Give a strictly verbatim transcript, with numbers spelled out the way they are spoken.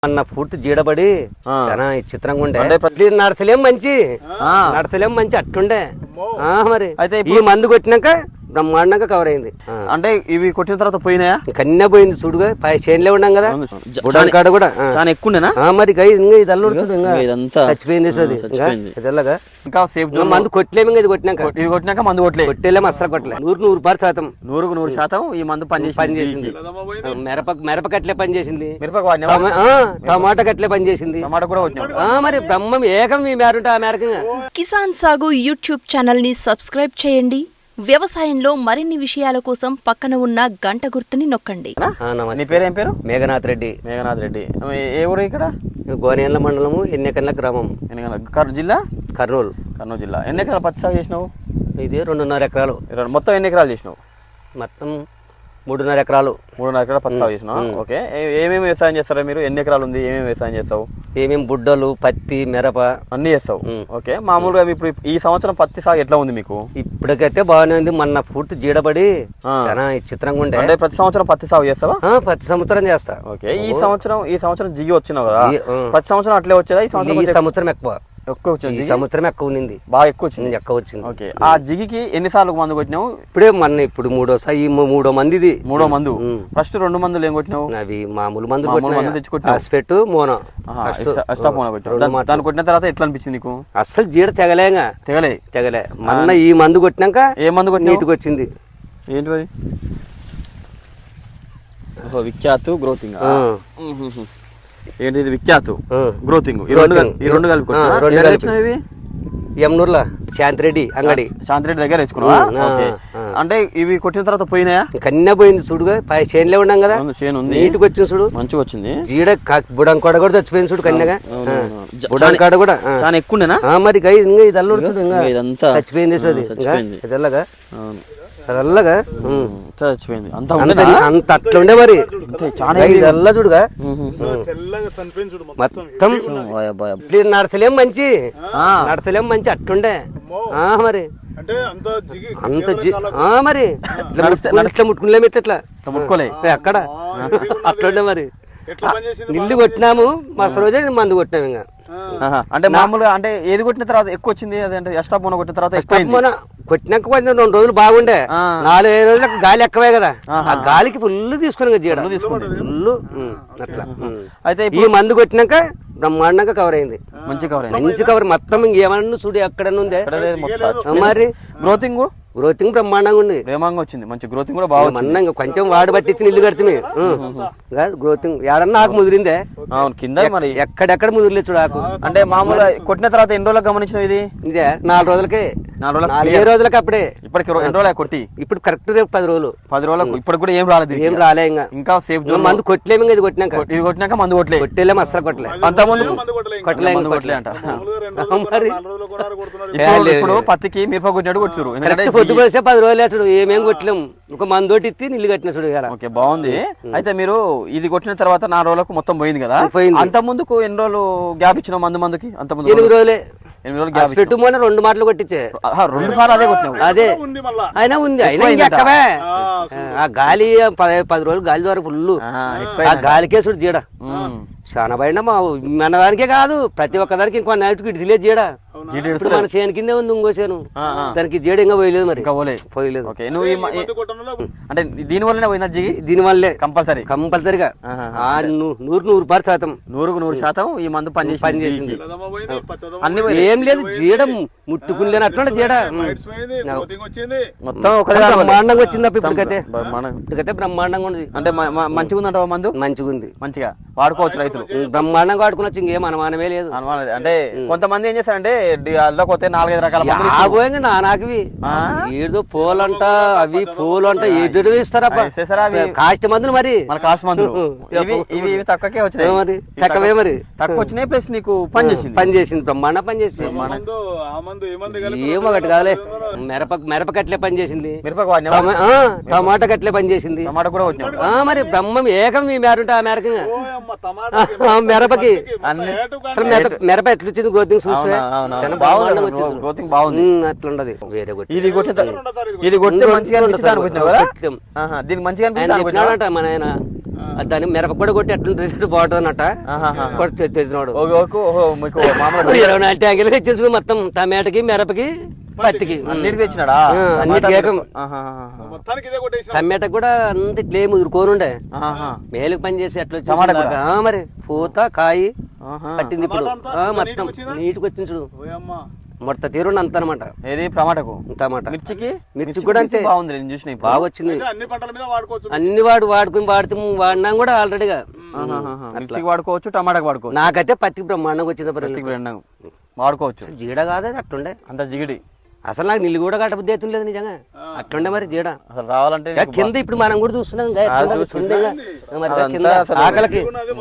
అన్న పూర్తి జీడబడి చాలా చిత్రంగా ఉండే నడసలేం మంచి నడసలేం మంచి అట్టుండే మరి అయితే ఈ మందు కొట్టినాక బ్రహ్మాండంగా కవర్ అయింది. అంటే ఇవి కొట్టిన తర్వాత పోయినాయా? కన్నే పోయింది చూడుగా పై చేనులే ఉన్నాం కదా కాడ కూడా చాలా ఎక్కువ మరి ఇది అల్లుడు చూడు ఇంకా చచ్చిపోయింది తెల్లగా ఇంకా సేఫ్ మందు కొట్టలేము ఇంకా ఇది కొట్టినాక ఇది కొట్టినాక మందు కొట్టలే కొట్టేలేము అసలు కొట్టలే నూరు నూరు పారు శాతం నూరుకు నూరు శాతం ఈ మందు పని పని చేసింది. మిరప మిరపకట్లే పని చేసింది, మిరప టమాటా కట్లే పని చేసింది, టమాటా కూడా కొట్టినా మరి బ్రహ్మం ఏకం మీ మేరుంటే ఆ మేరకు. కిసాన్ సాగు యూట్యూబ్ ఛానల్ ని సబ్స్క్రైబ్ చేయండి. వ్యవసాయంలో మరిన్ని విషయాల కోసం పక్కన ఉన్న గంట గుర్తుని నొక్కండి. నీ పేరు ఏం పేరు? మేఘనాథ్ రెడ్డి. మేఘనాథ్ రెడ్డి ఏ ఊరు? ఇక్కడ గోనేళ్ల మండలము ఎన్నెకల్ల గ్రామం, జిల్లా కర్నూలు. కర్నూలు జిల్లా. ఎన్ని ఎకరాలు పత్తి సాగు చేసినావు? ఇది రెండున్నర ఎకరాలు. మొత్తం ఎన్ని ఎకరాలు చేసినావు? మొత్తం మూడున్నర ఎకరాలు. మూడున్నర ఎకరాలు పత్తి సాగు చేసినావు. ఓకే, ఏమేమి వ్యవసాయం చేస్తారా మీరు? ఎన్ని ఎకరాలు ఉంది? ఏమేమి వ్యవసాయం చేస్తావు? ఏమేమి బుడ్డలు, పత్తి, మిరప అన్ని చేస్తావు. ఓకే, మామూలుగా ఇప్పుడు ఈ సంవత్సరం పత్తి సాగు ఎట్లా ఉంది మీకు? ఇప్పటికైతే బాగానే ఉంది. మొన్న పూర్తి జీడబడి చాలా చిత్రంగా ఉండే. అంటే ప్రతి సంవత్సరం పత్తి సాగు చేస్తావా? ప్రతి సంవత్సరం చేస్తా. ఓకే, ఈ సంవత్సరం ఈ సంవత్సరం జిగి వచ్చినావు కదా, ప్రతి సంవత్సరం అట్లే వచ్చేదా? ఈ సంవత్సరం ఈ సంవత్సరం ఎక్కువ ఎక్కువ వచ్చింది. సంవత్సరం ఎక్కువ ఉంది, బాగా ఎక్కువ వచ్చింది. ఎక్కువ వచ్చింది. ఓకే, ఆ జిగికి ఎన్నిసార్లు మందు కొట్టినావు? ఇప్పుడే మొన్న ఇప్పుడు మూడోసారి ఈ మూడో మంది ఇది మూడో మందు. ఫస్ట్ రెండు మందులు ఏం కొట్టినావు? అవి మామూలు మందులు మందు తెచ్చుకుంటా పెట్టు మోనో దాన్ని కొట్టిన తర్వాత ఎట్లా అనిపించింది నీకు? అస్సలు జీడ తెగలేగా తెగలే తెగలే మొన్న ఈ మందు కొట్టినాక ఏ మందు కొట్టి నీటికి వచ్చింది. ఏంటి విఖ్యాత్ గ్రోతింగ్? ఏంటి ఇది? విఖ్యాత్ గ్రోతింగ్ ఈ రెండు ఈ రెండు కలిపి ఎమ్నూర్లా శాంతిరెడ్డి అంగడి. శాంతిరెడ్డి దగ్గర తెచ్చుకున్నావా? అంటే ఇవి కొట్టిన తర్వాత పోయినాయా? కన్నే పోయింది చూడుగా పై చేనులే ఉన్నాం కదా, చేను ఉంది. నీటికి వచ్చింది చూడు, మంచిగా వచ్చింది. జీడ బుడంకాడ కూడా చచ్చిపోయింది చూడు, కన్యగా బుడంకాడ కూడా చాలా ఎక్కువ మరి ఇది అల్లుడు చూడు ఇంకా చచ్చిపోయింది తెల్లగా తెల్లగా చచ్చిపోయింది. అంత అంత అట్లా ఉండే మరి తెల్ల చూడుగా మొత్తం నడసలేం మంచి నడసలేం మంచి అట్టుండే మరి అంత మరి నడిస్తే ముట్టుకునేలేము ఇట్లా ముట్టుకోలే అక్కడ అట్లుండే మరి. నిల్లు కొట్టినాము మరుసటి రోజే మందు కొట్టినాము. ఇంకా అంటే మామూలుగా అంటే ఏది కొట్టిన తర్వాత ఎక్కువ వచ్చింది? అదే ఎక్స్ట్రా పోన కొట్టిన తర్వాత కొట్టినాక కొంచెం రెండు రోజులు బాగుండే, నాలుగు ఐదు రోజులకు గాలి ఎక్కువే కదా, ఆ గాలికి ఫుల్ తీసుకుని తీసుకుంటే ఫుల్ అట్లా. అయితే ఈ మందు కొట్టినాక బ్రహ్మాండంగా కవర్ అయింది. మంచి కవర్ అయింది, మంచి కవర్ మొత్తం. ఇంకేమన్నా చూడు ఎక్కడ ఉందే మరి. గ్రోతింగ్ గ్రోతింగ్ బ్రహ్మాండంగా ఉంది, ప్రేమంగా వచ్చింది. మంచి గ్రోతింగ్ కూడా బాగా ఇంకా కొంచెం వాడు పట్టించి ఇల్లు కడితే గ్రోతింగ్ ఏడన్నా ఆకు ముదిరిందే. అవును, కింద మరి ఎక్కడెక్కడ ముదిరిలే చూడు ఆకు. అంటే మామూలుగా కొట్టిన తర్వాత ఎన్ని రోజులకు గమనించిన ఇది? ఇదే నాలుగు రోజులకే నాలుగు నాలుగే రోజులకి అప్పుడే. ఇప్పటికి ఎన్ని రోజులు కొట్టి? ఇప్పుడు కరెక్ట్ రేపు పది రోజులు పది రోజులకు ఇప్పటికి కూడా ఏం రాలేదు, ఏం రాలే. ఇంకా ఇంకా సేఫ్ మందు కొట్టలేము. ఇంకా ఇది కొట్టినాక ఇది కొట్టినాక మందు కొట్టలే కొట్టేలేము అసలు కొట్టలే. అంత ముందు కొట్టలే కొట్టలే అంట. ఇప్పుడు పత్తికి మిరప కొట్టినట్టు కొట్టురు. పొద్దు పోస్తే పది రోజులు చూడు ఏమేమి కొట్టలేము, ఒక మందు ఇత్తి నీళ్ళు కట్టిన చూడు. ఓకే, బాగుంది. అయితే మీరు ఇది కొట్టిన తర్వాత నాలుగు రోజులకు మొత్తం పోయింది కదా. అంత ముందుకు ఎన్ని రోజులు గ్యాప్ ఇచ్చిన మందు మందుకి? అంత ముందు ఎనిమిది రోజులే. ఎనిమిది రోజులు గ్యాప్ పెట్టు మొన్న రెండు మాటలు కొట్టించే రెండు సార్లు అదే కొట్టినావు? అదే అయినా ఉంది, అయినా ఇంకెక్కవే. ఆ గాలి పది రోజులు గాలి ద్వారా ఫుల్ ఆ గాలికే చూడు జీడ చాలా పైన. మా మన దానికే కాదు ప్రతి ఒక్క దానికి ఇంకో నైట్కి ఇడిసిలే జీడ. మన చేను కిందే ఉంది ఇంకో చేను, దానికి జీడ ఇంకా పోయలేదు మరి, ఇంకా పోయలేదు. అంటే దీని వల్లనే పోయిందా జిగి? దీని వల్లే కంపల్సరీ కంపల్సరిగా నూరు నూరు పారు శాతం నూరుకు నూరు శాతం ఈ మందు పని పని చేసింది. అన్ని ఏం లేదు జీడ ముట్టుకుని అట్లా జీడ మొత్తం బ్రహ్మాండంగా వచ్చింది. ఇప్పటికైతే ఇప్పటికైతే బ్రహ్మాండంగా ఉంది. అంటే మంచిగా ఉందంట మందు? మంచిగా ఉంది, మంచిగా వాడుకోవచ్చు రైతులు, బ్రహ్మాండంగా వాడుకోవచ్చు. ఇంకేం అనుమానమే లేదు. అంటే కొంతమంది ఏం చేస్తారంటే అల్లకపోతే నాలుగైదు రకాల నానాకి ఏదో పూలంట అవి పూలు అంట ఎదురు ఇస్తారా కాస్ట్ మందులు మరి మన కాస్ట్ మందులు ఇవి ఇవి తక్కువకే వచ్చినాయి మరి, తక్కువే మరి తక్కువ వచ్చినాయి. ప్లస్ నీకు పని చేసింది పని చేసింది బ్రహ్మాండ పని చేసింది. ఏమో ఒకటి కాదులే, మిరప మిరపకట్లే పని చేసింది, మిరపకు టమాటా కట్లే పని చేసింది, టమాటా కూడా వచ్చినాయి. మరి బ్రహ్మం ఏకం మీ మేరుంటే ఆ మేరకు మిరపకి అసలు మిరప ఎట్లొచ్చింది గ్రోతింగ్ చూస్తే బాగుంది అట్లుండదు. వేరే ఇది కొట్టిన ఇది కొట్టితే మంచిగా అనిపించింది అనుకుంటున్నావు కదా? దీనికి మంచిగా అనిపించింది మన ఆయన దాన్ని మిరప కూడా కొట్టి ఎట్లా బాగుంటుంది అన్నట్ట కొట్టి తెచ్చినాడు ఓకే ఓకే ఓహో మీకు మామూలు ఇరవై నాలుగు ట్యాంకులు తెచ్చేసి మొత్తం టమాటాకి మిరపకి పత్తికి అన్నిటికి తెచ్చినాడా అన్నిటికీ ఏకం మొత్తానికి ఇదే కొట్టేసిన టమాటా కూడా అంత ఇట్లే ముదురుకోనుండే మేలుకి పని చేసి ఎట్లా వచ్చి మరి పూత కాయి పట్టింది ఇప్పుడు ఆ, మొత్తం నీటికి వచ్చింది చూడు ఓయమ్మా మొత్తం తీరుండి అంత అనమాట ఏది టమాటాకు టమాటా మిర్చికి మిర్చి కూడా అంతే బాగుంది నేను చూసిన ఇప్పుడు. బాగా వచ్చింది అయితే అన్ని పంటల మీద వాడుకోవచ్చు అన్ని వాడు వాడుకుని వాడితే వాడినాం కూడా ఆల్రెడీగా ఆహాహా. మిర్చికి వాడుకోవచ్చు టమాటాకి వాడుకోవచ్చు నాకైతే పత్తికి బ్రహ్మాండంగా వచ్చింది మిర్చికి బ్రెండం వాడుకోవచ్చు జీడ కాదు అట్లుండే అంత జిగిడి అసలు నాకు నీళ్ళు కూడా కట్టబుద్ధి అవుతుంది నిజంగా అట్లుండే మరి జీడ అసలు రావాలంటే కింద ఇప్పుడు మనం కూడా చూస్తున్నాం ఇంకా ఎట్లుందో కింద ఇంకా. మరి అదంతా కింద అసలు ఆకలికి